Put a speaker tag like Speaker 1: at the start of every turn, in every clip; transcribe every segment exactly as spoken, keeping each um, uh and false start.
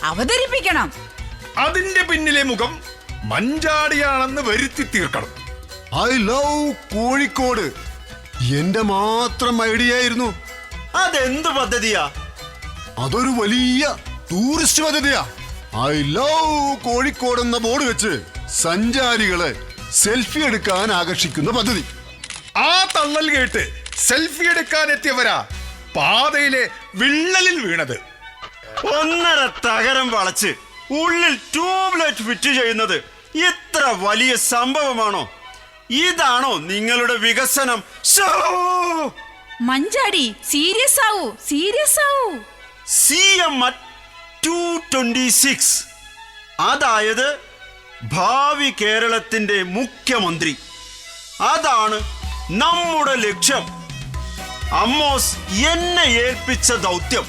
Speaker 1: അവതരിപ്പിക്കണം.
Speaker 2: അതിന്റെ പിന്നിലെ മുഖം മഞ്ചാടിയാണെന്ന് വരുത്തി തീർക്കണം.
Speaker 3: ഐ ലവ് കോഴിക്കോട് എന്റെ മാത്രം ഐഡിയ ആയിരുന്നു.
Speaker 4: അതെന്ത് പദ്ധതിയാ?
Speaker 3: അതൊരു വലിയ ടൂറിസ്റ്റ് പദ്ധതിയാ. ഐ ലവ് കോഴിക്കോട് എന്ന ബോർഡ് വെച്ച് സഞ്ചാരികളെ സെൽഫി എടുക്കാൻ ആകർഷിക്കുന്ന പദ്ധതി.
Speaker 2: ആ തള്ളൽ കേട്ട് സെൽഫി എടുക്കാൻ എത്തിയവരാ പാതയിലെ വിള്ളലിൽ വീണത്.
Speaker 4: ഒന്നര തകരം വളച്ച് ഉള്ളിൽ ട്യൂബ്ലൈറ്റ് ഫിറ്റ് ചെയ്യുന്നത് ഇത്ര വലിയ സംഭവമാണോ? ഇതാണോ നിങ്ങളുടെ വികസനം?
Speaker 1: മഞ്ചാടി സീരിയസ് ആവൂ, സീരിയസ് ആവൂ.
Speaker 4: C M at two twenty six, അതായത് ഭാവി കേരളത്തിന്റെ മുഖ്യമന്ത്രി. അതാണ് നമ്മുടെ ലക്ഷ്യം. അമ്മോസ് എന്നെ ഏൽപ്പിച്ച ദൗത്യം.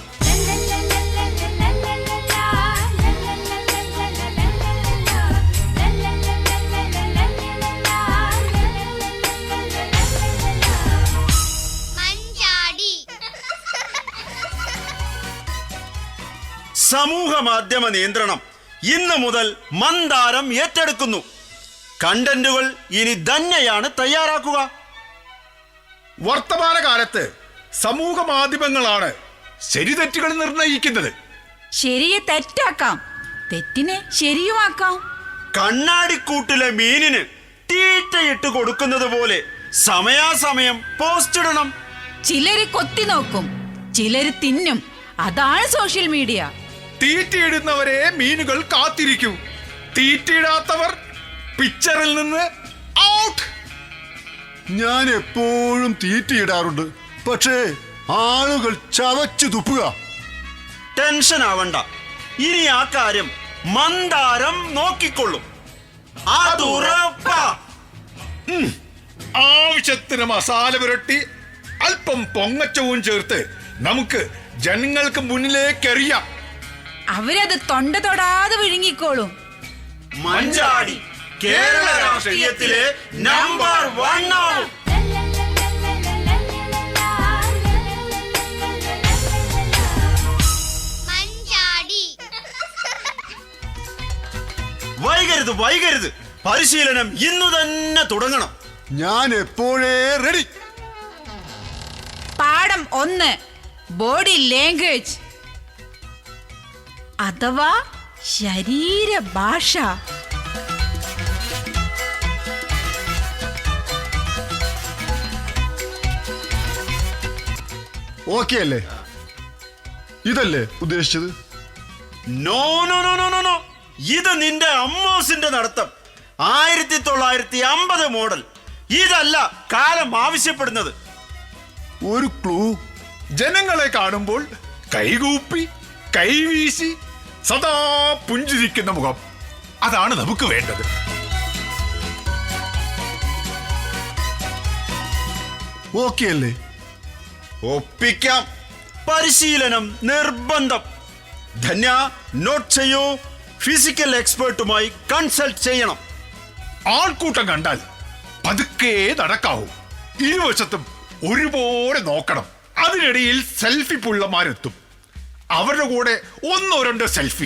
Speaker 4: സമൂഹ മാധ്യമ നിയന്ത്രണം ഇന്നു മുതൽ മന്ദാരം ഏറ്റെടുക്കുന്നു. കണ്ടന്റുകൾ ഇനി തന്നെയാണ് തയ്യാറാക്കുക.
Speaker 2: വർത്തമാനകാലത്ത് സമൂഹ മാധ്യമങ്ങളാണ് ശരിതെറ്റുകൾ നിർണയിക്കുന്നത്.
Speaker 1: ശരിയെ തെറ്റാക്കാം, തെറ്റിനെ ശരിയുമാക്കാം.
Speaker 4: കണ്ണാടിക്കൂട്ടിലെ മീനിന് തീറ്റയിട്ട് കൊടുക്കുന്നത് പോലെ സമയാസമയം പോസ്റ്റ് ഇടണം.
Speaker 1: ചിലര് കൊത്തി നോക്കും, ചിലര് തിന്നും. അതാണ് സോഷ്യൽ മീഡിയ.
Speaker 2: തീറ്റയിടുന്നവരെ മീനുകൾ കാത്തിരിക്കൂ. തീറ്റയിടാത്തവർ പിക്ചറിൽ നിന്ന് ഔട്ട്.
Speaker 3: ഞാൻ എപ്പോഴും തീറ്റയിടാറുണ്ട്, പക്ഷേ ആളുകൾ ചവച്ചു തുപ്പുക.
Speaker 4: ടെൻഷൻ ആവണ്ട, ഇനി ആ കാര്യം മന്ദാരം നോക്കിക്കൊള്ളും. അതുറപ്പാ.
Speaker 2: ആവശ്യത്തിന് മസാല പുരട്ടി അല്പം പൊങ്ങച്ചവും ചേർത്ത് നമുക്ക് ജനങ്ങൾക്ക് മുന്നിലേക്ക് എറിയാം.
Speaker 1: അവരത് തൊണ്ട തൊടാതെ വിഴുങ്ങിക്കോളും.
Speaker 4: മഞ്ചാടി കേരള രാഷ്ട്രീയത്തിലെ നമ്പർ വൺ ആവും. വൈകരുത് വൈകരുത്, പരിശീലനം ഇന്നു തന്നെ തുടങ്ങണം.
Speaker 3: ഞാൻ എപ്പോഴേ റെഡി.
Speaker 1: പാഠം ഒന്ന്, ബോഡി ലാംഗ്വേജ് അഥവാ ശരീരഭാഷ.
Speaker 3: ഓക്കെ അല്ലേ? ഇതല്ലേ ഉദ്ദേശിച്ചത്?
Speaker 4: No no no no no, ഇത് നിന്റെ അമ്മോസിന്റെ നടത്തം. ആയിരത്തി തൊള്ളായിരത്തി അമ്പത് മോഡൽ. ഇതല്ല കാലം ആവശ്യപ്പെടുന്നത്.
Speaker 3: ഒരു ക്ലൂ.
Speaker 2: ജനങ്ങളെ കാണുമ്പോൾ കൈകൂപ്പി കൈവീശി സദാ പുഞ്ചിരിക്കുന്ന മുഖം, അതാണ് നമുക്ക് വേണ്ടത്.
Speaker 3: ഓക്കെ അല്ലേ?
Speaker 4: ഒപ്പിക്കാം. പരിശീലനം നിർബന്ധം. ധന്യ, നോട്ട് ചെയ്യൂ. ഫിസിക്കൽ എക്സ്പേർട്ടുമായി കൺസൾട്ട് ചെയ്യണം.
Speaker 2: ആൾക്കൂട്ടം കണ്ടാൽ പതുക്കെ നടക്കാവൂ. ഇരുവശത്തും ഒരുപോലെ നോക്കണം. അതിനിടയിൽ സെൽഫി പുള്ളമാരെത്തും. അവരുടെ കൂടെ ഒന്നോ രണ്ടോ സെൽഫി.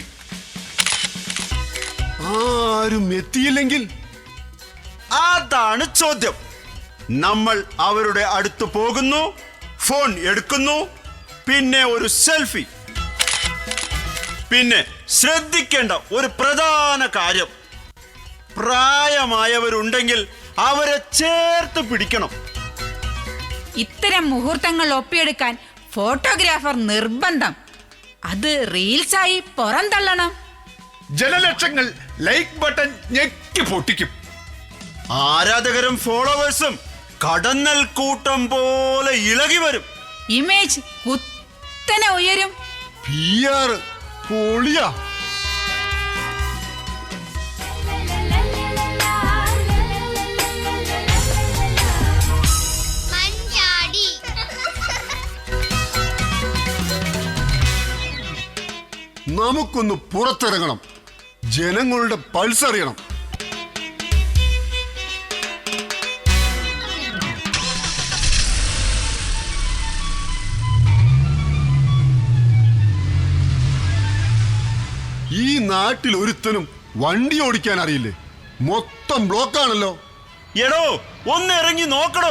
Speaker 3: ആരും എത്തിയില്ലെങ്കിൽ
Speaker 4: അതാണ് ചോദ്യം. നമ്മൾ അവരുടെ അടുത്ത് പോകുന്നു, ഫോൺ എടുക്കുന്നു, പിന്നെ ഒരു സെൽഫി. പിന്നെ ശ്രദ്ധിക്കേണ്ട ഒരു പ്രധാന കാര്യം, പ്രായമായവരുണ്ടെങ്കിൽ അവരെ ചേർത്ത് പിടിക്കണം.
Speaker 1: ഇത്തരം മുഹൂർത്തങ്ങൾ ഒപ്പിയെടുക്കാൻ ഫോട്ടോഗ്രാഫർ നിർബന്ധം. അത് റീൽസായി പുറന്തള്ളണം.
Speaker 2: ജനലക്ഷങ്ങൾ ലൈക്ക് ബട്ടൺ ഞെക്കി പൊട്ടിക്കും.
Speaker 4: ആരാധകരും ഫോളോവേഴ്സും കടന്നൽ കൂട്ടം പോലെ ഇളകി വരും.
Speaker 1: ഇമേജ് കുത്തനെ ഉയരും.
Speaker 3: പി ആർ പൊളിയാ. നമുക്കൊന്ന് പുറത്തിറങ്ങണം, ജനങ്ങളുടെ പൾസ് അറിയണം. ഈ നാട്ടിൽ ഒരുത്തനും വണ്ടി ഓടിക്കാൻ അറിയില്ലേ? മൊത്തം ബ്ലോക്കാണല്ലോ.
Speaker 4: എടോ ഒന്ന് ഇറങ്ങി നോക്കടോ.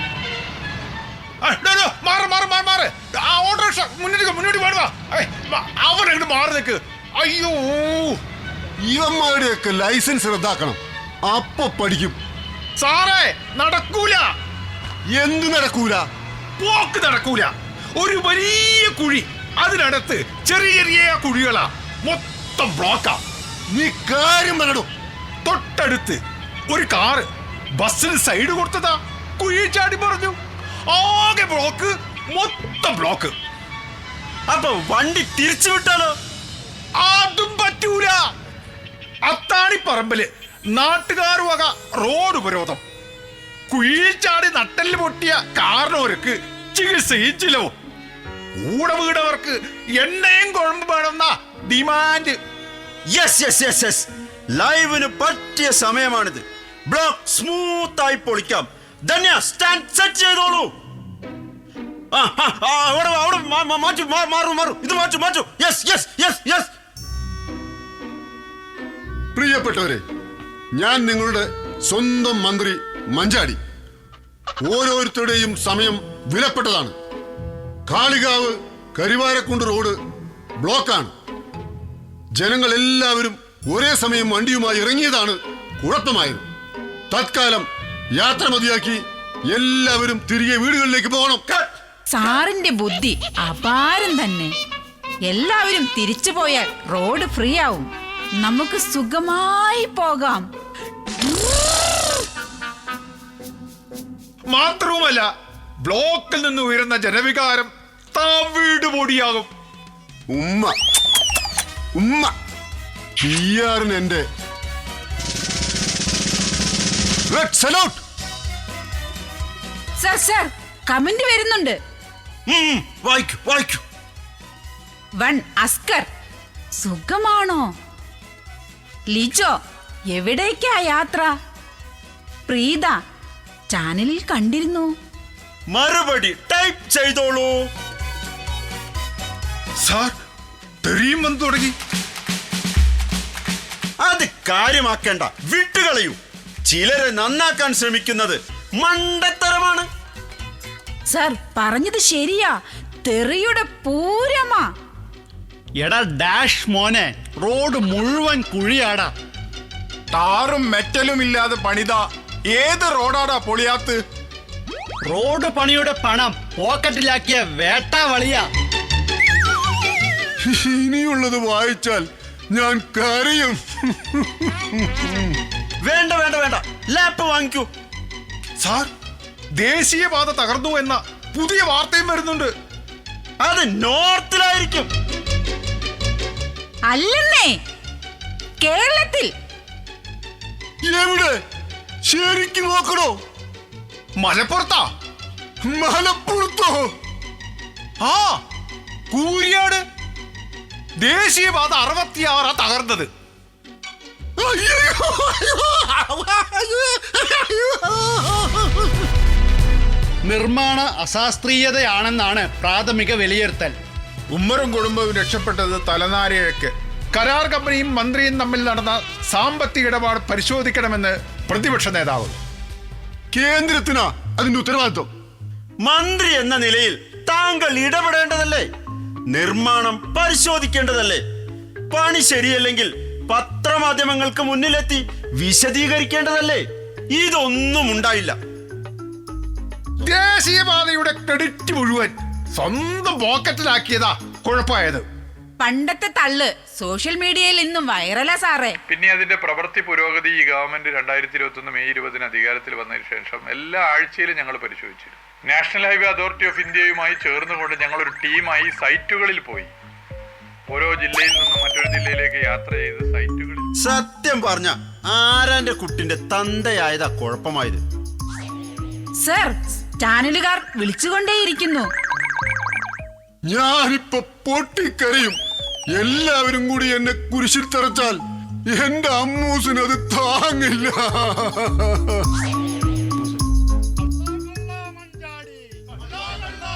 Speaker 2: ആ, ഡോ, ഡോ, മാറ് മാറ് മാറ് മാറ് ആ ഓട്ടോറിക്ഷ മുന്നോട്ട് മുന്നോട്ട് പാടുക. അവരങ്ങോട്ട് മാറി നിൽക്ക്. അയ്യോ,
Speaker 3: ഇവന്മാരുടെയൊക്കെ ലൈസൻസ് റദ്ദാക്കണം, അപ്പൊ പഠിക്കും.
Speaker 2: സാറേ നടക്കൂല.
Speaker 3: എന്ത് നടക്കൂല?
Speaker 2: പോക്ക് നടക്കൂല. ഒരു വലിയ കുഴി, അതിനടുത്ത് ചെറിയ ചെറിയ കുഴികളാ, മൊത്തം ബ്ലോക്കാ.
Speaker 3: നീ കാര്യം പറയടോ.
Speaker 2: തൊട്ടടുത്ത് ഒരു കാറ് ബസ്സിന് സൈഡ് കൊടുത്തതാ, കുഴി ചാടി പറഞ്ഞു. ആകെ ബ്ലോക്ക്, മൊത്തം ബ്ലോക്ക്.
Speaker 4: അപ്പൊ വണ്ടി തിരിച്ചു വിട്ടാലോ?
Speaker 2: അതും പറ്റൂല. അത്താണിപ്പറമ്പില് നാട്ടുകാർ വക റോഡ് ഉപരോധം. കുഴിയിൽ ചാടി നട്ടല് പൊട്ടിയ കാരണവർക്ക് ചികിത്സയും ചിലവും. കൂടെ വീടവർക്ക് എണ്ണയും കുഴമ്പ് വേണമെന്ന demand.
Speaker 4: Yes yes yes yes ലൈവിന് പറ്റിയ സമയമാണിത്. ബ്ലോക്ക് സ്മൂത്ത് ആയി പൊളിക്കാം. ധന്യ സ്റ്റാൻഡ് സെറ്റ് ചെയ്തോളൂ. ആ, ആ, ആ, അവിടെ വാ, അവിടെ മാ- മാ- മാറ്റു മാ- മാറു മാറു ഇത് മാറ്റു മാറ്റു. യെസ് യെസ് യെസ് യെസ്
Speaker 3: പ്രിയപ്പെട്ടവരെ, ഞാൻ നിങ്ങളുടെ സ്വന്തം മന്ത്രി മഞ്ചാടി. ഓരോരുത്തരുടെയും സമയം വിലപ്പെട്ടതാണ്. കാളികാവ് കരിവാരക്കുണ്ട് റോഡ് ബ്ലോക്കാണ്. ജനങ്ങൾ എല്ലാവരും ഒരേ സമയം വണ്ടിയുമായി ഇറങ്ങിയതാണ് കുഴപ്പമായത്. തത്കാലം യാത്ര മതിയാക്കി എല്ലാവരും തിരികെ വീടുകളിലേക്ക് പോകണം.
Speaker 1: സാറിന്റെ ബുദ്ധി അപാരം തന്നെ. എല്ലാവരും തിരിച്ചു പോയാൽ റോഡ് ഫ്രീ ആവും, നമുക്ക് സുഖമായി പോകാം.
Speaker 2: മാത്രവുമല്ല, ബ്ലോക്കിൽ നിന്ന് ഉയരുന്ന ജനവികാരം തവിട് പൊടിയാകും.
Speaker 3: ഉമ്മ ഉമ്മ പി ആറിന് എന്റെ red salute.
Speaker 1: Sir sir comment വരുന്നുണ്ട്.
Speaker 4: ഉം, വായിക്കൂ വായിക്കൂ.
Speaker 1: വൺ അസ്കർ, സുഖമാണോ? ലിജോ, എവിടേക്കാ യാത്ര? പ്രീത, ചാനലിൽ കണ്ടിരുന്നു.
Speaker 4: മറുപടി ടൈപ്പ് ചെയ്തോളൂ.
Speaker 2: സാർ, തെറിയും വന്നു തുടങ്ങി.
Speaker 4: അത് കാര്യമാക്കേണ്ട, വിട്ടുകളയൂ. ചിലരെ നന്നാക്കാൻ ശ്രമിക്കുന്നത് മണ്ടത്തരമാണ്.
Speaker 1: സർ പറഞ്ഞത് ശരിയാ, തെറിയുടെ പൂരമാ.
Speaker 5: എടാ ഡാഷ് മോനെ, റോഡ് മുഴുവൻ കുഴിയാടാ.
Speaker 6: ടാറും മെറ്റലും ഇല്ലാതെ പണിത ഏത് റോഡാടാ പൊളിയാത്ത്?
Speaker 5: റോഡ് പണിയുടെ പണം പോക്കറ്റിലാക്കിയ വേട്ടാവളിയാ.
Speaker 3: ഇനിയുള്ളത് വായിച്ചാൽ ഞാൻ കരയും.
Speaker 4: വേണ്ട വേണ്ട വേണ്ട, ലാപ്പ് വാങ്ങിക്കൂ.
Speaker 2: സാർ, ദേശീയപാത തകർന്നു എന്ന പുതിയ വാർത്തയും വരുന്നുണ്ട്.
Speaker 4: അത് നോർത്തിലായിരിക്കും.
Speaker 1: അല്ലെന്നേ, കേരളത്തിൽ.
Speaker 3: എവിടെ? ശരിക്കും നോക്കണോ?
Speaker 2: മലപ്പുറത്താ.
Speaker 3: മലപ്പുറത്തോ?
Speaker 2: ആ, കൂരിയാട്. ദേശീയപാത അറുപത്തിയാറാ തകർന്നത്.
Speaker 5: നിർമ്മാണ അശാസ്ത്രീയതയാണെന്നാണ് പ്രാഥമിക വിലയിരുത്തൽ.
Speaker 6: ഉമ്മറും കുടുംബവും രക്ഷപ്പെട്ടത് തലനാരിഴക്ക്.
Speaker 2: കരാർ കമ്പനിയും മന്ത്രിയും തമ്മിൽ നടന്ന സാമ്പത്തിക ഇടപാട് പരിശോധിക്കണമെന്ന് പ്രതിപക്ഷ നേതാവ്.
Speaker 3: കേന്ദ്രത്തിനാ അതിന്റെ ഉത്തരവാദിത്വം.
Speaker 4: മന്ത്രി എന്ന നിലയിൽ താങ്കൾ ഇടപെടേണ്ടതല്ലേ? നിർമ്മാണം പരിശോധിക്കേണ്ടതല്ലേ? പണി ശരിയല്ലെങ്കിൽ പത്രമാധ്യമങ്ങൾക്ക് മുന്നിലെത്തി വിശദീകരിക്കേണ്ടതല്ലേ? ഇതൊന്നും ഉണ്ടായില്ല.
Speaker 2: ദേശീയപാതയുടെ ക്രെഡിറ്റ് മുഴുവൻ സ്വന്തം പോക്കറ്റിലാക്കിയതാ കുഴപ്പമായത്.
Speaker 1: പണ്ടത്തെ തള്ള് സോഷ്യൽ മീഡിയയിൽ ഇന്നും വൈറലാ സാറേ.
Speaker 7: പിന്നെ അതിന്റെ പ്രവൃത്തി പുരോഗതി ഈ ഗവൺമെന്റ് രണ്ടായിരത്തി ഇരുപത്തി ഒന്ന് മെയ് ഇരുപതിന് അധികാരത്തിൽ വന്നതിന് ശേഷം എല്ലാ ആഴ്ചയിലും ഞങ്ങൾ പരിശോധിച്ചിരുന്നു. നാഷണൽ ഹൈവേ അതോറിറ്റി ഓഫ് ഇന്ത്യയുമായി ചേർന്നുകൊണ്ട് ഞങ്ങൾ ഒരു ടീമായി സൈറ്റുകളിൽ പോയി. ഓരോ ജില്ലയിൽ നിന്നും മറ്റൊരു ജില്ലയിലേക്ക് യാത്ര ചെയ്ത് സൈറ്റുകളിൽ.
Speaker 4: സത്യം പറഞ്ഞ ആരാന്റെ കുട്ടിന്റെ തന്തയായതാ കുഴപ്പമായത്.
Speaker 1: സർ, ചാനലുകാർ വിളിച്ചുകൊണ്ടേയിരിക്കുന്നു.
Speaker 3: ഞാനിപ്പോ പൊട്ടിക്കരയും. എല്ലാവരും കൂടി എന്നെ കുരിശിൽ തറച്ചാൽ എന്റെ അമ്മൂസിന് അത് താങ്ങില്ല.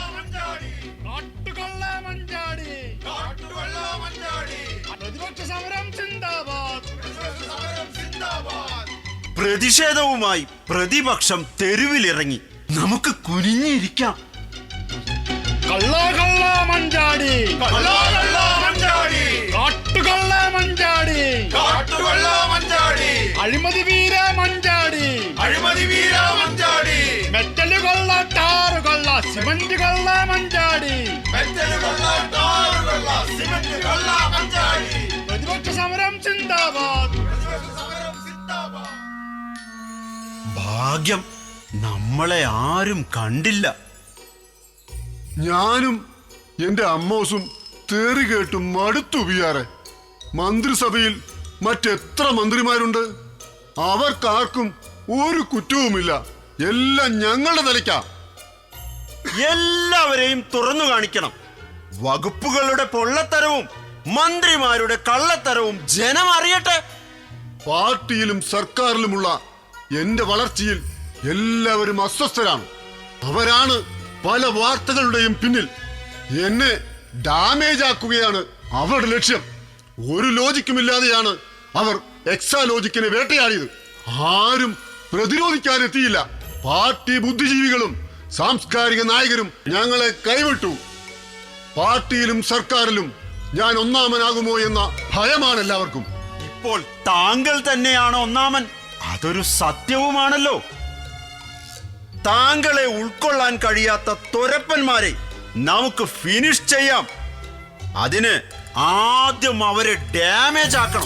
Speaker 5: പ്രതിപക്ഷ സമരം
Speaker 4: പ്രതിഷേധവുമായി പ്രതിപക്ഷം തെരുവിലിറങ്ങി. നമുക്ക് കുനിഞ്ഞിരിക്കാം.
Speaker 5: കള്ള കള്ള മഞ്ചാടി, കാട്ടുകള്ള മഞ്ചാടി, അഴിമതി വീര മഞ്ചാടി, മെറ്റല് കൊള്ള, ടാറ് കൊള്ള, സിമന്റ് കൊള്ള മഞ്ചാടി, പ്രതിപക്ഷ സമരം സിന്ദാബാദ്.
Speaker 4: ഭാഗ്യം നമ്മളെ ആരും കണ്ടില്ല.
Speaker 3: ഞാനും എന്റെ അമ്മോസും തേറി കേട്ടും മടുത്തു പിയാറെ. മന്ത്രിസഭയിൽ മറ്റെത്ര മന്ത്രിമാരുണ്ട്? അവർക്കാർക്കും ഒരു കുറ്റവുമില്ല. എല്ലാം ഞങ്ങളുടെ തലയ്ക്കാ.
Speaker 4: എല്ലാവരെയും തുറന്നു കാണിക്കണം. വകുപ്പുകളുടെ പൊള്ളത്തരവും മന്ത്രിമാരുടെ കള്ളത്തരവും ജനം അറിയട്ടെ.
Speaker 3: പാർട്ടിയിലും സർക്കാരിലുമുള്ള എന്റെ വളർച്ചയിൽ എല്ലാവരും അസ്വസ്ഥരാണ്. അവരാണ് പല വാർത്തകളുടെയും പിന്നിൽ. എന്നെ ഡാമേജ് ആക്കുകയാണ് അവരുടെ ലക്ഷ്യം. ഒരു ലോജിക്കുമില്ലാതെയാണ് അവർ എക്സാലോജിക്കിനെ വേട്ടയാടിയത്. ആരും പ്രതിരോധിക്കാനെത്തിയില്ല. പാർട്ടി ബുദ്ധിജീവികളും സാംസ്കാരിക നായകരും ഞങ്ങളെ കൈവിട്ടു. പാർട്ടിയിലും സർക്കാരിലും ഞാൻ ഒന്നാമനാകുമോ എന്ന ഭയമാണ് എല്ലാവർക്കും.
Speaker 4: ഇപ്പോൾ താങ്കൾ തന്നെയാണ് ഒന്നാമൻ. അതൊരു സത്യവുമാണല്ലോ. താങ്കളെ ഉൾക്കൊള്ളാൻ കഴിയാത്ത തൊരപ്പന്മാരെ നമുക്ക് ഫിനിഷ് ചെയ്യാം. അതിന് ആദ്യം അവരെ ഡാമേജ് ആക്കണം.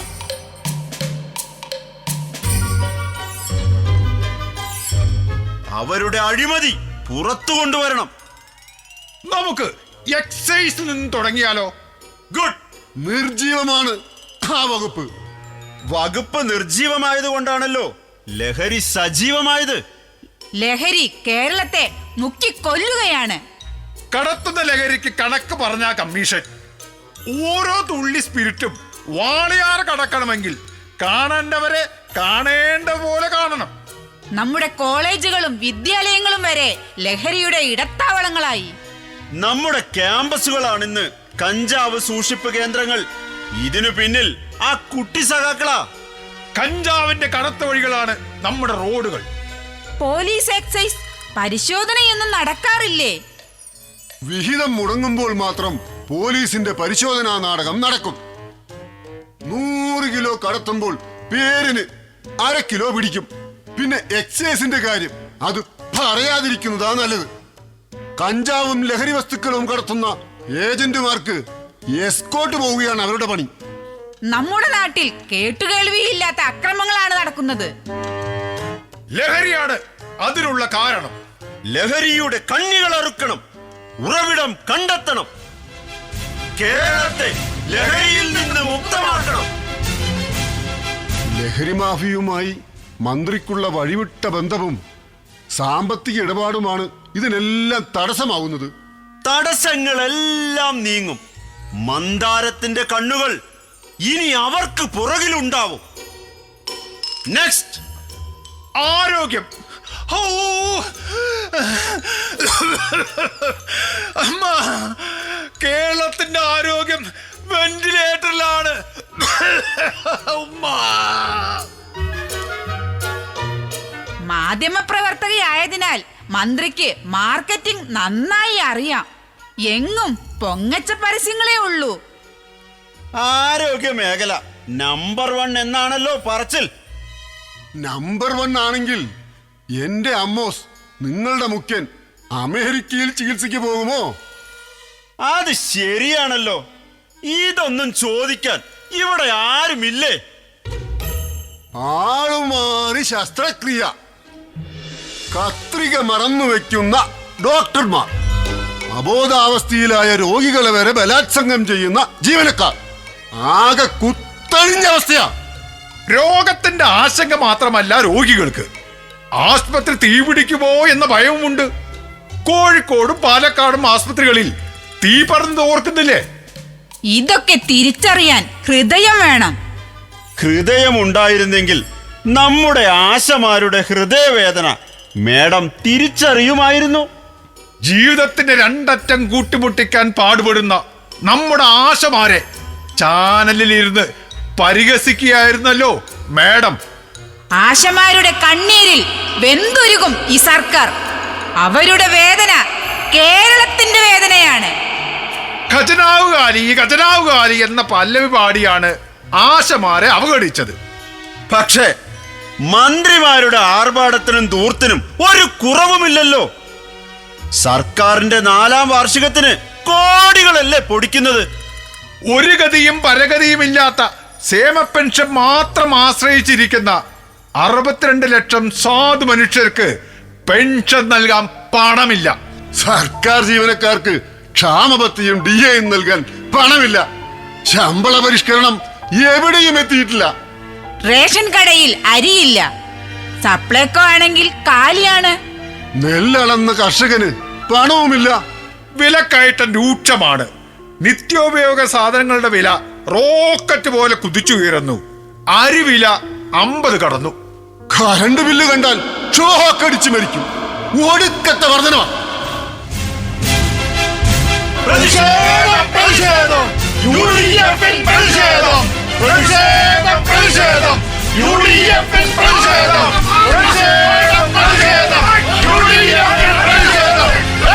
Speaker 4: അവരുടെ അഴിമതി പുറത്തു കൊണ്ടുവരണം.
Speaker 2: നമുക്ക് എക്സൈസിൽ നിന്ന് തുടങ്ങിയാലോ?
Speaker 4: ഗുഡ്.
Speaker 3: നിർജീവമാണ് ആ വകുപ്പ്.
Speaker 4: വകുപ്പ് നിർജീവമായത് കൊണ്ടാണല്ലോ ലഹരി സജീവമായത്.
Speaker 1: ലഹരി കേരളത്തെ മുക്കിക്കൊല്ലുകയാണ്.
Speaker 2: കടത്തുന്ന ലഹരിക്ക് കണക്ക് പറഞ്ഞ കമ്മീഷൻ ഓരോ തുള്ളി സ്പിരിറ്റും വാളയാറ് കടക്കണമെങ്കിൽ കാണേണ്ടവരെ കാണേണ്ട പോലെ കാണണം.
Speaker 1: നമ്മുടെ കോളേജുകളും വിദ്യാലയങ്ങളും വരെ ലഹരിയുടെ ഇടത്താവളങ്ങളായി.
Speaker 4: നമ്മുടെ ക്യാമ്പസുകളാണിന്ന് കഞ്ചാവ് സൂക്ഷിപ്പ് കേന്ദ്രങ്ങൾ. ഇതിനു പിന്നിൽ ആ കുട്ടി സഖാക്കളാ.
Speaker 2: കഞ്ചാവിന്റെ കടത്ത വഴികളാണ് നമ്മുടെ റോഡുകൾ.
Speaker 1: പോലീസ് എക്സൈസ് പരിശോധനയൊന്നും നടക്കാറില്ലേ?
Speaker 3: വിഹിതം മുടങ്ങുമ്പോൾ മാത്രം പോലീസിന്റെ പരിശോധനാ നാടകം നടക്കും. നൂറ് കിലോ കടത്തുമ്പോൾ പേരിന് അര കിലോ പിടിക്കും. പിന്നെ എക്സൈസിന്റെ കാര്യം അത് പറയാതിരിക്കുന്നതാ നല്ലത്. കഞ്ചാവും ലഹരി വസ്തുക്കളും കടത്തുന്ന ഏജന്റുമാർക്ക് എസ്കോട്ട് പോവുകയാണ് അവരുടെ പണി.
Speaker 1: നമ്മുടെ നാട്ടിൽ കേട്ടുകേൾവിയില്ലാത്ത അക്രമങ്ങളാണ് നടക്കുന്നത്.
Speaker 2: ലഹരിയാണ് അതിനുള്ള കാരണം.
Speaker 4: ലഹരിയുടെ കണ്ണികൾ അറുക്കണം. ഉറവിടം കണ്ടെത്തണം. കേരളത്തെ ലഹരിയിൽ നിന്ന് മുക്തമാക്കണം.
Speaker 3: ലഹരി മാഫിയുമായി മന്ത്രിക്കുള്ള വഴിവിട്ട ബന്ധവും സാമ്പത്തിക ഇടപാടുമാണ് ഇതിനെല്ലാം തടസ്സമാവുന്നത്.
Speaker 4: തടസ്സങ്ങളെല്ലാം നീങ്ങും. മന്ദാരത്തിന്റെ കണ്ണുകൾ ഇനി അവർക്ക് പുറകിലുണ്ടാവും. നെക്സ്റ്റ്,
Speaker 2: ആരോഗ്യം. ഓ അമ്മ, കേരളത്തിന്റെ ആരോഗ്യം വെന്റിലേറ്ററിലാണ്. ഉമ്മ.
Speaker 1: മാധ്യമപ്രവർത്തകയായതിനാൽ മന്ത്രിക്ക് മാർക്കറ്റിംഗ് നന്നായി അറിയാം. എങ്ങും പൊങ്ങച്ച പരസ്യങ്ങളേ ഉള്ളൂ.
Speaker 4: ആരോഗ്യ മേഖല നമ്പർ വൺ എന്നാണല്ലോ പറച്ചിൽ.
Speaker 3: നമ്പർ വൺ ആണെങ്കിൽ എന്റെ അമ്മോസ്, നിങ്ങളുടെ മുഖ്യൻ അമേരിക്കയിൽ ചികിത്സയ്ക്ക് പോകുമോ?
Speaker 4: അത് ശരിയാണല്ലോ. ഇതൊന്നും ചോദിക്കാൻ ഇവിടെ ആരുമില്ലേ?
Speaker 3: ആളുമാറി ശസ്ത്രക്രിയ, കത്രിക മറന്നു വെക്കുന്ന ഡോക്ടർമാർ, അബോധാവസ്ഥയിലായ രോഗികളെ വരെ ബലാത്സംഗം ചെയ്യുന്ന ജീവനക്കാർ. ആകെ കുത്തഴിഞ്ഞ അവസ്ഥയാ.
Speaker 2: രോഗത്തിന്റെ ആശങ്ക മാത്രമല്ല രോഗികൾക്ക്, ആസ്പത്രി തീപിടിക്കുമോ എന്ന ഭയവുമുണ്ട്. കോഴിക്കോടും പാലക്കാടും ആസ്പത്രികളിൽ തീ പറന്ന് ഓർക്കുന്നില്ലേ?
Speaker 1: ഇതൊക്കെ തിരിച്ചറിയാൻ ഹൃദയം വേണം.
Speaker 4: ഹൃദയമുണ്ടായിരുന്നെങ്കിൽ നമ്മുടെ ആശമാരുടെ ഹൃദയവേദന മേഡം തിരിച്ചറിയുമായിരുന്നു.
Speaker 2: ജീവിതത്തിന്റെ രണ്ടറ്റം കൂട്ടിമുട്ടിക്കാൻ പാടുപെടുന്ന നമ്മുടെ ആശമാരെ ചാനലിലിരുന്ന് പരിഹസിക്കുകയായിരുന്നല്ലോ മാഡം.
Speaker 1: ആശമാരുടെ കണ്ണീരിൽ വെന്തുരുകും ഈ സർക്കാർ. അവരുടെ വേദന കേരളത്തിന്റെ വേദനയാണ്.
Speaker 2: ഖജനാവുകാലി ഖജനാവുകാലി എന്ന പല്ലവി പാടിയാണ് ആശമാരെ അവഗണിച്ചത്.
Speaker 4: പക്ഷേ മന്ത്രിമാരുടെ ആർഭാടത്തിനും ദൂർത്തിനും ഒരു കുറവുമില്ലല്ലോ. സർക്കാരിന്റെ നാലാം വാർഷികത്തിന് കോടികളല്ലേ പൊടിക്കുന്നത്.
Speaker 2: ഒരു ഗതിയും പരഗതിയുമില്ലാത്ത ക്ഷേമ പെൻഷൻ മാത്രം ആശ്രയിച്ചിരിക്കുന്ന അറുപത്തിരണ്ട് ലക്ഷം സാധു മനുഷ്യർക്ക് പെൻഷൻ നൽകാൻ പണമില്ല.
Speaker 3: സർക്കാർ ജീവനക്കാർക്ക് ക്ഷാമബത്തിയും ഡി എയും നൽകാൻ പണമില്ല. ശമ്പള പരിഷ്കരണം എവിടെയും എത്തിയിട്ടില്ല.
Speaker 1: റേഷൻ കടയിൽ അരിയില്ല. സപ്ലൈകോ ആണെങ്കിൽ കാലിയാണ്.
Speaker 3: നെല്ലളന്ന കർഷകന് പണവുമില്ല.
Speaker 2: വിലക്കയറ്റം രൂക്ഷമാണ്. നിത്യോപയോഗ സാധനങ്ങളുടെ വില റോക്കറ്റ് പോലെ കുതിച്ചുയരുന്നു. അരിവില അമ്പത് കടന്നു.
Speaker 3: കറണ്ട് ബില്ല് കണ്ടാൽ ഷോക്കടിച്ചു മരിക്കും. ഒടുക്കത്തെ വർധനവാ.
Speaker 5: പ്രതിഷേധം പ്രതിഷേധം യു ഡി എഫിൻ പ്രതിഷേധം പ്രതിഷേധം പ്രതിഷേധം യു ഡി എഫിൻ പ്രതിഷേധം പ്രതിഷേധം പ്രതിഷേധം യു ഡി എഫിൻ പ്രതിഷേധം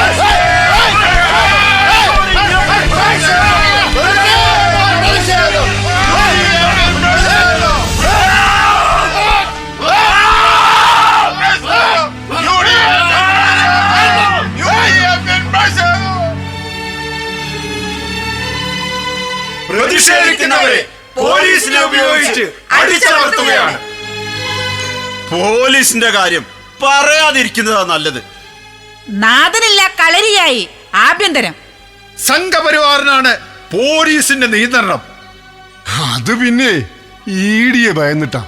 Speaker 2: പ്രതിഷേധിക്കുന്നവരെ പോലീസിനെ ഉപയോഗിച്ച് അടിച്ചമർത്തുകയാണ്.
Speaker 4: പോലീസിന്റെ കാര്യം പറയാതിരിക്കുന്നതാ നല്ലത്.
Speaker 1: നാഥനില്ല കളരിയായി ആഭ്യന്തരം.
Speaker 2: സംഘപരിവാറിനാണ് പോലീസിന്റെ നിയന്ത്രണം.
Speaker 3: അത് പിന്നെ ഈടിയെ ഭയന്നിട്ടാ.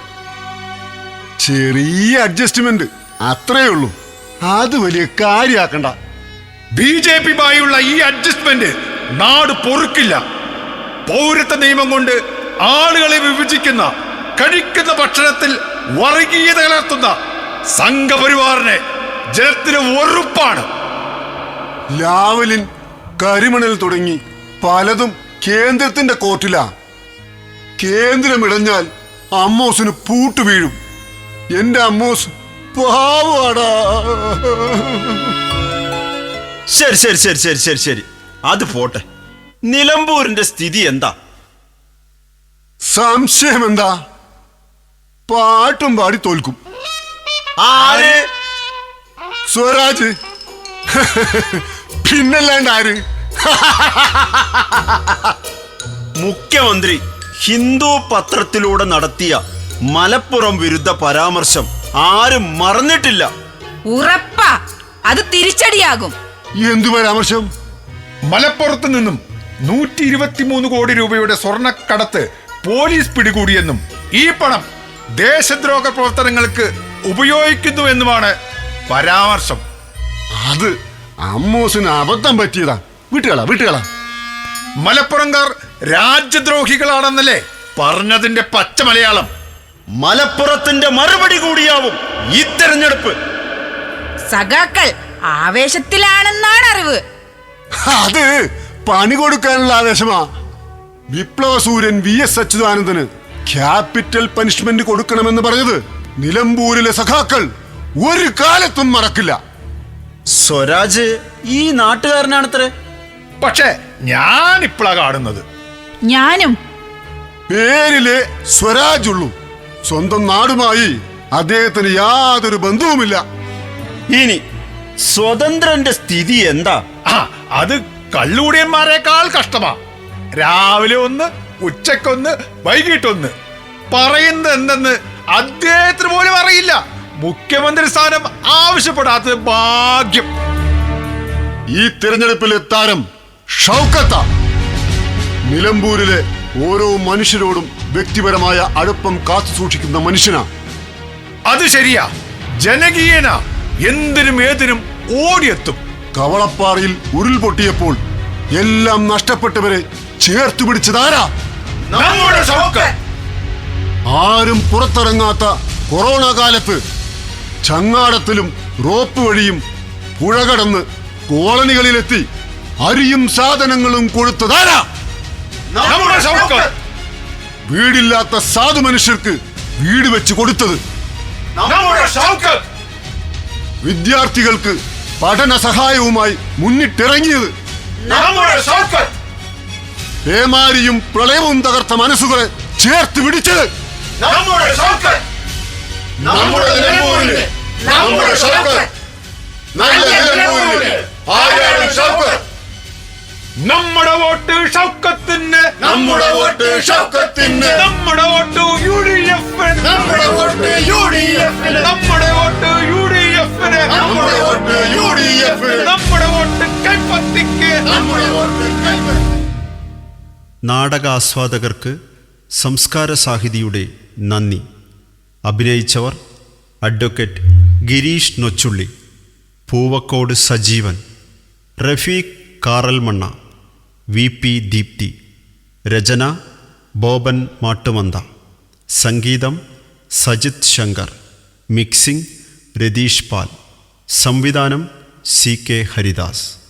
Speaker 3: ചെറിയ അഡ്ജസ്റ്റ്മെന്റ് അത്രേ ഉള്ളൂ. അത് വലിയ കാര്യാക്കണ്ട.
Speaker 2: ബി ജെ പിയുമായുള്ള ഈ അഡ്ജസ്റ്റ്മെന്റ് നാട് പൊറുക്കില്ല. പൗരത്വ നിയമം കൊണ്ട് ആളുകളെ വിഭജിക്കുന്ന, കഴിക്കുന്ന ഭക്ഷണത്തിൽ വർഗീയത കലർത്തുന്ന സംഘപരിവാറിനെ ജനത്തിന് വെറുപ്പാണ്.
Speaker 3: ലാവലിൻ, കരിമണൽ തുടങ്ങി പലതും കേന്ദ്രത്തിന്റെ കോർട്ടിലാ. കേന്ദ്രമിടഞ്ഞാൽ അമ്മോസിന് പൂട്ടു വീഴും. എന്റെ അമ്മോസ് പാവാടാ.
Speaker 4: ശരി ശരി ശരി ശരി ശരി ശരി അത് പോട്ടെ. നിലമ്പൂരിന്റെ സ്ഥിതി എന്താ?
Speaker 3: സംശയം എന്താ? പാട്ടും പാടി തോൽക്കും.
Speaker 4: ആര്?
Speaker 3: സ്വരാജ്. പിന്നല്ലാണ്ട് ആര്?
Speaker 4: മുഖ്യമന്ത്രി ഹിന്ദു പത്രത്തിലൂടെ നടത്തിയ മലപ്പുറം വിരുദ്ധ പരാമർശം ആരും മറന്നിട്ടില്ല.
Speaker 1: ഉറപ്പാ അത് തിരിച്ചടിയാകും.
Speaker 3: എന്തു പരാമർശം?
Speaker 2: മലപ്പുറത്ത് നിന്നും നൂറ്റി ഇരുപത്തിമൂന്ന് കോടി രൂപയുടെ സ്വർണ്ണക്കടത്ത് പോലീസ് പിടികൂടിയെന്നും ഈ പണം ദേശദ്രോഹ പ്രവർത്തനങ്ങൾക്ക് ഉപയോഗിക്കുന്നുവെന്നുമാണ് പരാമർശം.
Speaker 3: അത് അമ്മോസിന് അബദ്ധം പറ്റിയതാ. വീട്ടുകളാ വീട്ടുകളാ
Speaker 2: മലപ്പുറംകാർ രാജ്യദ്രോഹികളാണെന്നല്ലേ പറഞ്ഞതിന്റെ പച്ച മലയാളം.
Speaker 4: മലപ്പുറത്തിന്റെ മറുപടി കൂടിയാവും ഈ തെരഞ്ഞെടുപ്പ്.
Speaker 1: സഖാക്കൾ ആവേശത്തിലാണെന്നാണ് അറിവ്.
Speaker 3: അത് പണി കൊടുക്കാനുള്ള ആവേശമാ. വിപ്ലവ സൂര്യൻ വി എസ് അച്യുതാനന്ദന് ക്യാപിറ്റൽ പനിഷ്മെന്റ് കൊടുക്കണമെന്ന് പറഞ്ഞത് നിലമ്പൂരിലെ സഖാക്കൾ ഒരു കാലത്തും മറക്കില്ല.
Speaker 4: സ്വരാജ് ഈ നാട്ടുകാരനാണത്രേ.
Speaker 2: പക്ഷെ ഞാൻ ഇപ്പോഴാ കാണുന്നത്.
Speaker 1: ഞാനും.
Speaker 3: പേരിലെ സ്വരാജ് ഉള്ളൂ. സ്വന്തം നാടുമായി അദ്ദേഹത്തിന് യാതൊരു ബന്ധവുമില്ല.
Speaker 4: ഇനി സ്വതന്ത്രന്റെ സ്ഥിതി എന്താ?
Speaker 2: ആ, അത് കള്ളുകൂടിയന്മാരെക്കാൾ കഷ്ടമാ. രാവിലെ ഒന്ന്, ഉച്ചക്കൊന്ന്, വൈകിട്ടൊന്ന്. പറയുന്നത് എന്തെന്ന് അദ്ദേഹത്തിന് പോലും അറിയില്ല. മുഖ്യമന്ത്രി സ്ഥാനം ആവശ്യപ്പെടാത്തത് ഭാഗ്യം.
Speaker 3: ഈ തിരഞ്ഞെടുപ്പിലെ താരം ഷൗക്കത്ത. നിലമ്പൂരിലെ ഓരോ മനുഷ്യരോടും വ്യക്തിപരമായ അടുപ്പം കാത്തു സൂക്ഷിക്കുന്ന മനുഷ്യനാ.
Speaker 2: അത് ശരിയാ, ജനകീയന. എന്തിനും ഏതിനും ഓടിയെത്തും.
Speaker 3: കവളപ്പാറയിൽ ഉരുൾപൊട്ടിയപ്പോൾ എല്ലാം നഷ്ടപ്പെട്ടവരെ ചേർത്തു പിടിച്ചതാരാ?
Speaker 2: നമ്മുടെ ഷൗക്കത്ത്.
Speaker 3: ആരും പുറത്തിറങ്ങാത്ത കൊറോണ കാലത്ത് ചങ്ങാടത്തിലും റോപ്പ് വഴിയും പുഴ കടന്ന് കോളനികളിലെത്തി അരിയും സാധനങ്ങളും കൊടുത്തതാരാ?
Speaker 2: നമ്മുടെ ഷൗക്കത്ത്.
Speaker 3: വീടില്ലാത്ത സാധു മനുഷ്യർക്ക് വീട് വെച്ച് കൊടുത്തത് വിദ്യാർത്ഥികൾക്ക് പഠന സഹായവുമായി മുന്നിട്ടിറങ്ങിയത്. പേമാരിയും പ്രളയവും തകർത്ത മനസ്സുകളെ ചേർത്ത് പിടിച്ചത്.
Speaker 2: നമ്മുടെ വോട്ട് ഷൗക്കത്തിന്,
Speaker 3: നമ്മുടെ വോട്ട് ഷൗക്കത്തിന്,
Speaker 2: നമ്മുടെ വോട്ട് യു ഡി എഫിന്,
Speaker 3: നമ്മുടെ വോട്ട് യു ഡി എഫിന്,
Speaker 2: നമ്മുടെ വോട്ട് യു ഡി എഫിന്,
Speaker 3: നമ്മുടെ വോട്ട് യു ഡി എഫിന്,
Speaker 2: നമ്മുടെ വോട്ട് കൈപ്പത്തിക്ക്,
Speaker 3: നമ്മുടെ വോട്ട് കൈപ്പത്തി.
Speaker 4: നാടകാസ്വാദകർക്ക് സംസ്കാര സാഹിതിയുടെ നന്ദി. അഭിനയിച്ചവർ advocate Girish Nochulli, Poovakkode Sajeevan, Rafeeq Karalmanna, V P Deepthi. രചന ബോബൻ മാട്ടുമന്ത. സംഗീതം സജിത് ശങ്കർ. മിക്സിംഗ് രതീഷ് പാൽ. സംവിധാനം സി കെ ഹരിദാസ്.